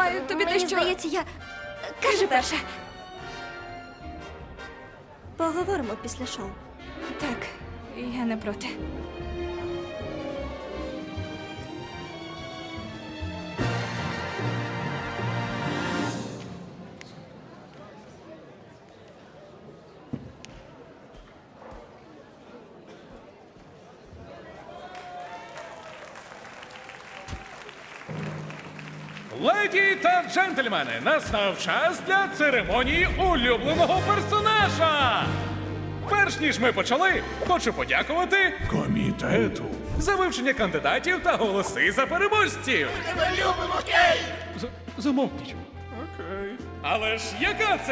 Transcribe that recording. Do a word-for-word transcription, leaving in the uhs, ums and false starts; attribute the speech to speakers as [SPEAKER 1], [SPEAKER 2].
[SPEAKER 1] маю тобі
[SPEAKER 2] Мені
[SPEAKER 1] дещо...
[SPEAKER 2] здається, я...
[SPEAKER 1] Кажи перше.
[SPEAKER 2] Поговоримо після шоу.
[SPEAKER 1] Так, я не проти.
[SPEAKER 3] Леді та джентльмени, настав час для церемонії улюбленого персонажа. Перш ніж ми почали, хочу подякувати комітету за вивчення кандидатів та голоси за переможців.
[SPEAKER 4] Ми любимо Кейт!
[SPEAKER 3] Замовкніть. Окей. Але ж яка це